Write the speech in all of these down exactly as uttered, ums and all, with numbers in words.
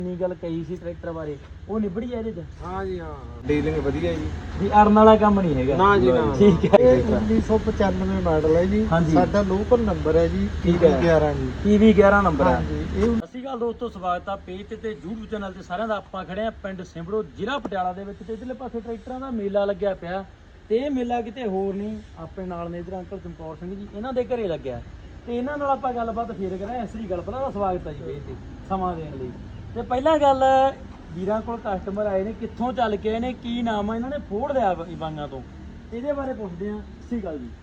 ਨੀ ਗੱਲ ਕਹੀ ਸੀ ਟਰੈਕਟਰ ਬਾਰੇ ਉਹ ਨਿਬੜੀ ਆ ਇਹਦੇ ਚ। ਹਾਂ ਜੀ ਹਾਂ ਡੀਲਿੰਗ ਵਧੀਆ ਜੀ ਵੀ ਅਰਨ ਵਾਲਾ ਕੰਮ ਨਹੀਂ ਹੈਗਾ ਨਾ ਜੀ ਨਾ ਠੀਕ ਹੈ। ਇਹ ਉੱਨੀ ਸੌ ਪਚਾਨਵੇਂ ਮਾਡਲ ਹੈ ਜੀ। ਹਾਂਜੀ। ਸਾਡਾ ਲੋਕਲ ਨੰਬਰ ਹੈ ਜੀ ਠੀਕ ਹੈ। ਗਿਆਰਾਂ ਜੀ। ਪੀ ਵੀ ਗਿਆਰਾਂ ਨੰਬਰ ਹੈ। ਹਾਂਜੀ ਇਹ ਸਤਿ ਸ਼੍ਰੀ ਅਕਾਲ ਦੋਸਤੋ, ਸਵਾਗਤ ਆ ਪੇਜ ਤੇ ਤੇ YouTube ਚੈਨਲ ਤੇ ਸਾਰਿਆਂ ਦਾ। ਆਪਾਂ ਖੜੇ ਆ ਪਿੰਡ ਸਿੰਬੜੋ ਜ਼ਿਲ੍ਹਾ ਪਟਿਆਲਾ ਦੇ ਵਿੱਚ ਤੇ ਇਧਰਲੇ ਪਾਸੇ ਟਰੈਕਟਰਾਂ ਦਾ ਮੇਲਾ ਲੱਗਿਆ ਪਿਆ ਤੇ ਇਹ ਮੇਲਾ ਕਿਤੇ ਹੋਰ ਨਹੀਂ, ਆਪਣੇ ਨਾਲ ਨੇ ਇਧਰ ਅੰਕਲ ਚਮਕੌਰ ਸਿੰਘ ਜੀ, ਇਹਨਾਂ ਦੇ ਘਰੇ ਲੱਗਿਆ ਤੇ ਇਹਨਾਂ ਨਾਲ ਆਪਾਂ ਗੱਲਬਾਤ ਫੇਰ ਕਰਾਂ। ਇਸ ਲਈ ਗੱਲ ਪਹਿਲਾਂ ਦਾ ਸਵਾਗਤ ਹੈ ਜੀ ਪੇਜ ਤੇ ਸਮਾਂ ਦੇਣ ਲਈ। ਤੇ ਪਹਿਲਾਂ ਗੱਲ ਵੀਰਾਂ ਕੋਲ ਕਸਟਮਰ ਆਏ ਨੇ, ਕਿੱਥੋਂ ਚੱਲ ਕੇ ਆਏ ਨੇ, ਕੀ ਨਾਮ ਆ, ਇਹਨਾਂ ਨੇ ਫੋੜ ਲਿਆ ਬਾਂਗਾਂ ਤੋਂ, ਇਹਦੇ ਬਾਰੇ ਪੁੱਛਦੇ ਆ। ਸਤਿ ਸ਼੍ਰੀ ਅਕਾਲ ਜੀ,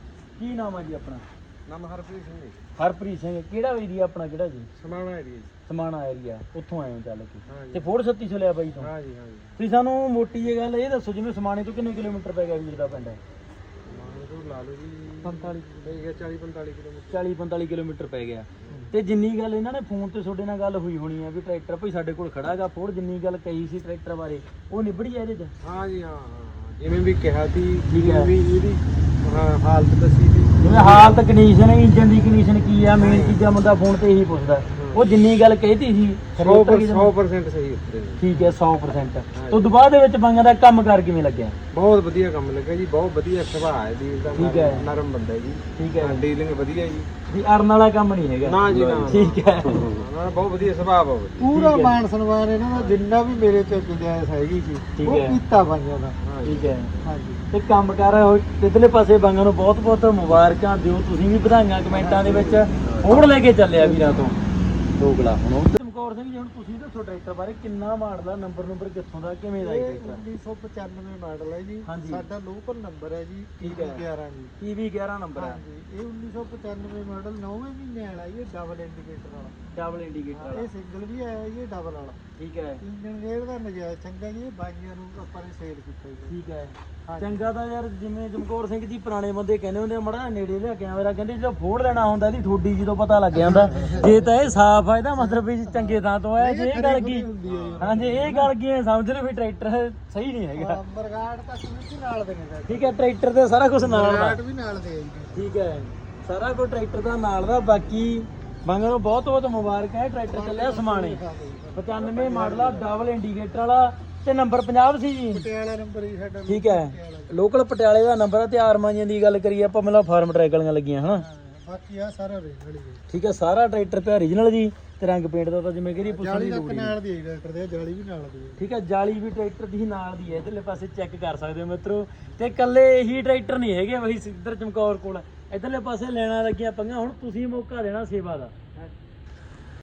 ਕੀ ਨਾਮ ਆ ਜੀ ਆਪਣਾ? ਨਾਮ ਹਰਪ੍ਰੀਤ ਸਿੰਘ ਜੀ। ਹਰਪ੍ਰੀਤ ਸਿੰਘ। ਕਿਹੜਾ ਏਰੀਆ ਆਪਣਾ, ਕਿਹੜਾ ਜੀ? ਸਮਾਣਾ ਏਰੀਆ ਜੀ। ਸਮਾਣਾ ਏਰੀਆ, ਉੱਥੋਂ ਆਏ ਹੋ ਚੱਲ ਕੇ ਹਾਂਜੀ। ਤੇ ਫੋੜ ਛੱਤੀ ਸੌ ਲਿਆ ਬਾਈ ਤੋਂ। ਹਾਂ ਜੀ ਹਾਂ ਜੀ। ਤੁਸੀਂ ਸਾਨੂੰ ਮੋਟੀ ਜਿਹੀ ਗੱਲ ਇਹ ਦੱਸੋ, ਜਿਵੇਂ ਸਮਾਣੇ ਤੋਂ ਕਿੰਨੇ ਕਿਲੋਮੀਟਰ ਪੈ ਗਿਆ ਵੀਰ ਦਾ ਪਿੰਡ? ਸਮਾਣੇ ਤੋਂ ਲਾ ਲਓ ਜੀ ਪੰਤਾਲੀ ਪੈ ਗਿਆ ਚਾਲੀ ਪੰਤਾਲੀ ਕਿਲੋਮੀਟਰ। ਚਾਲੀ ਪੰਤਾਲੀ ਕਿਲੋਮੀਟਰ ਪੈ ਗਿਆ। ਤੇ ਜਿੰਨੀ ਗੱਲ ਇਹਨਾਂ ਨੇ ਫੋਨ ਤੇ ਤੁਹਾਡੇ ਨਾਲ ਗੱਲ ਹੋਈ ਹੋਣੀ ਆ ਵੀ ਟਰੈਕਟਰ ਭਾਈ ਸਾਡੇ ਕੋਲ ਖੜਾ ਗਾ ਫੋੜ, ਜਿੰਨੀ ਗੱਲ ਕਹੀ ਸੀ ਟਰੈਕਟਰ ਬਾਰੇ ਉਹ ਨਿਬੜੀ ਆ ਇਹਦੇ ਚ? ਹਾਂ ਜੀ ਹਾਂ ਹਾਂ ਜਿਵੇਂ ਵੀ ਕਿਹਾ ਸੀ ਠੀਕ ਹੈ। ਵੀ ਇਹਦੀ ਹਾਂ ਹਾਲਤ ਦੱਸੀ ਸੀ। ਜਿਵੇਂ ਹਾਲਤ, ਕੰਡੀਸ਼ਨ, ਇੰਜਨ ਦੀ ਕੰਡੀਸ਼ਨ ਕੀ ਆ, ਮੇਨ ਚੀਜ਼ਾਂ ਬੰਦਾ ਫੋਨ ਤੇ ਇਹੀ ਪੁੱਛਦਾ। ਉਹ ਜਿੰਨੀ ਗੱਲ ਕਹੀ ਸੀ ਸੌ ਪਰਸੈਂਟ ਸਹੀ ਉੱਤਰੇ ਨੇ। ਠੀਕ ਹੈ ਸੌ ਪਰਸੈਂਟ। ਤੋਂ ਦੁਬਾਰਾ ਦੇ ਵਿੱਚ ਬਾਂਗਾਂ ਦਾ ਕੰਮ ਕਰ ਕਿਵੇਂ ਲੱਗਿਆ? ਬਹੁਤ ਵਧੀਆ ਕੰਮ ਲੱਗਾ ਜੀ, ਬਹੁਤ ਵਧੀਆ ਸੁਭਾਅ ਹੈ ਵੀਰ ਦਾ। ਠੀਕ ਹੈ। ਨਰਮ ਬੰਦਾ ਜੀ। ਠੀਕ ਹੈ। ਡੀਲਿੰਗ ਵਧੀਆ ਜੀ। ਵੀ ਅਰਨ ਵਾਲਾ ਕੰਮ ਨਹੀਂ ਹੈਗਾ ਨਾ ਜੀ ਨਾ ਠੀਕ ਹੈ। ਨਾ ਬਹੁਤ ਵਧੀਆ ਸੁਭਾਅ ਬਹੁਤ ਵਧੀਆ। ਪੂਰਾ ਠੀਕ ਹੈ। ਮਾਨ ਸਨਮਾਨ ਇਹਨਾਂ ਦਾ ਜਿੰਨਾ ਵੀ ਮੇਰੇ ਤੇ ਗੁੰਜਾਇਸ਼ ਹੈਗੀ ਸੀ ਠੀਕ ਉਹ ਹੈ। ਕੀਤਾ ਬਾਈਆਂ ਦਾ। ਹਾਂ ਜੀ। ਠੀਕ ਹੈ। ਹਾਂਜੀ ਤੇ ਕੰਮ ਕਰ ਇਧਰਲੇ ਪਾਸੇ ਬਾਂਗਾਂ ਨੂੰ ਬਹੁਤ ਬਹੁਤ ਮੁਬਾਰਕਾਂ ਦਿਓ, ਤੁਸੀਂ ਵੀ ਵਧਾਈਆਂ ਕਮੈਂਟਾਂ ਦੇ ਵਿੱਚ। ਹੋਰ ਲੈ ਕੇ ਚੱਲਿਆ ਵੀਰਾਂ ਤੋਂ ਦੋਗਲਾ। ਹੁਣ ਚਮਕੌਰ ਸਿੰਘ ਜੀ, ਹੁਣ ਤੁਸੀਂ ਦੱਸੋ ਟਰੈਕਟਰ ਬਾਰੇ, ਕਿੰਨਾ ਮਾਡਲ ਦਾ, ਨੰਬਰ ਨੰਬਰ ਕਿੱਥੋਂ ਦਾ, ਕਿਵੇਂ ਦਾ ਇਹ ਟਰੈਕਟਰ? ਉੱਨੀ ਸੌ ਪਚਾਨਵੇਂ ਮਾਡਲ ਹੈ ਜੀ। ਹਾਂਜੀ। ਸਾਡਾ ਲੋਕਲ ਨੰਬਰ ਹੈ ਜੀ ਠੀਕ ਹੈ। ਗਿਆਰਾਂ ਜੀ। ਪੀ ਵੀ ਗਿਆਰਾਂ ਨੰਬਰ ਹੈ। ਹਾਂਜੀ ਇਹ ਉੱਨੀ ਸੌ ਪਚਾਨਵੇਂ ਮਾਡਲ ਨੌਵੇਂ ਮਹੀਨੇ ਵਾਲਾ ਜੀ। ਇਹ ਡਬਲ ਇੰਡੀਕੇਟਰ ਵਾਲਾ। ਡਬਲ ਇੰਡੀਕੇਟਰ ਵਾਲਾ। ਇਹ ਸਿੰਗਲ ਵੀ ਆਇਆ ਜੀ, ਇਹ ਡਬਲ ਵਾਲਾ। ਠੀਕ ਹੈ। ਇੰਜਨ ਗੇਅਰ ਦਾ ਨਜਾਇਜ਼ ਚੰਗਾ ਜੀ। ਇਹ ਬਾਈਆਂ ਨੂੰ ਆਪਾਂ ਨੇ ਸੇਲ ਕੀਤਾ ਜੀ। ਠੀਕ ਹੈ। ਹਾਂਜੀ। ਚੰਗਾ ਤਾਂ ਯਾਰ, ਜਿਵੇਂ ਚਮਕੌਰ ਸਿੰਘ ਜੀ ਪੁਰਾਣੇ ਬੰਦੇ ਕਹਿੰਦੇ ਹੁੰਦੇ ਆ, ਮੜਾ ਨੇੜੇ ਲਿਆ ਕੈਮਰਾ, ਕਹਿੰਦੇ ਜਦੋਂ ਫੋੜ ਲੈਣਾ ਹੁੰਦਾ ਇਹਦੀ ਠੋਡੀ ਜਦੋਂ ਪਤਾ ਲੱਗ ਜਾਂਦਾ। ਜੇ ਤਾਂ ਇਹ ਸਾਫ਼ ਆ, ਇਹਦਾ ਮਤਲਬ ਵੀ ਚੰਗੇ ਥਾਂ ਤੋਂ ਆਇਆ। ਜੇ ਇਹ ਗੱਲ ਕੀ ਹਾਂਜੀ ਇਹ ਗੱਲ ਕੀ ਹੈ, ਸਮਝ ਲਓ ਵੀ ਟਰੈਕਟਰ ਸਹੀ ਨਹੀਂ ਹੈਗਾ। ਬਰਗਾੜ ਤੱਕ ਵੀ ਨਾਲ ਦੇ ਨੇ। ਠੀਕ ਹੈ। ਟਰੈਕਟਰ ਤੇ ਸਾਰਾ ਕੁਝ ਨਾਲ ਦਾ। ਬਰਗਾੜ ਵੀ ਨਾਲ ਦੇ ਆ ਜੀ। ਠੀਕ ਹੈ। ਸਾਰਾ ਕੁਝ ਟਰੈਕਟਰ ਦਾ ਨਾਲ ਦਾ। ਬਾਕੀ ਬਾਂਗਾਂ ਨੂੰ ਬਹੁਤ ਬਹੁਤ ਮੁਬਾਰਕਾਂ ਹੈ। ਟਰੈਕਟਰ ਚੱਲਿਆ ਸਮਾਣੇ, ਪਚਾਨਵੇਂ ਮਾਡਲ ਆ, ਡਬਲ ਇੰਡੀਕੇਟਰ ਵਾਲਾ ਤੇ ਨੰਬਰ ਪੰਜਾਬ ਸੀ ਜੀ। ਪਟਿਆਲਾ ਨੰਬਰ ਹੀ ਸਾਡਾ। ਠੀਕ ਹੈ। ਲੋਕਲ ਪਟਿਆਲੇ ਦਾ ਨੰਬਰ ਆ ਤੇ ਆਰਮਾਂ ਦੀਆਂ ਗੱਲ ਕਰੀਏ ਆਪਾਂ, ਮਤਲਬ ਫਾਰਮ ਟਰੈਕ ਵਾਲੀਆਂ ਲੱਗੀਆਂ ਹਨਾ। ਬਾਕੀ ਆ ਸਾਰਾ ਵੇਖ ਲਈ। ਠੀਕ ਹੈ। ਸਾਰਾ ਟਰੈਕਟਰ ਤੇ ਓਰੀਜਨਲ ਜੀ ਤੇ ਰੰਗ ਪੇਂਟ ਦਾ ਤਾਂ ਜਿਵੇਂ ਕਿ ਪੁੱਛਣ ਦੀ ਜਾਲੀ ਲੋੜ ਤੱਕ ਨਹੀਂ। ਨਾਲ ਦੀ ਹੈ ਟਰੈਕਟਰ ਦੇ, ਜਾਲੀ ਵੀ ਨਾਲ ਦੀ ਹੈ। ਠੀਕ ਹੈ। ਜਾਲੀ ਵੀ ਟਰੈਕਟਰ ਦੀ ਨਾਲ ਦੀ ਹੈ, ਇਧਰਲੇ ਪਾਸੇ ਚੈੱਕ ਕਰ ਸਕਦੇ ਹੋ ਮਿੱਤਰੋ। ਤੇ ਇਕੱਲੇ ਇਹੀ ਟਰੈਕਟਰ ਨਹੀਂ ਹੈਗੇ ਬਈ ਇੱਧਰ ਚਮਕੌਰ ਕੋਲ, ਇਧਰਲੇ ਪਾਸੇ ਲੈਣਾ ਲੱਗੀਆਂ ਪੰਗਾਂ। ਹੁਣ ਤੁਸੀਂ ਮੌਕਾ ਦੇਣਾ ਸੇਵਾ ਦਾ।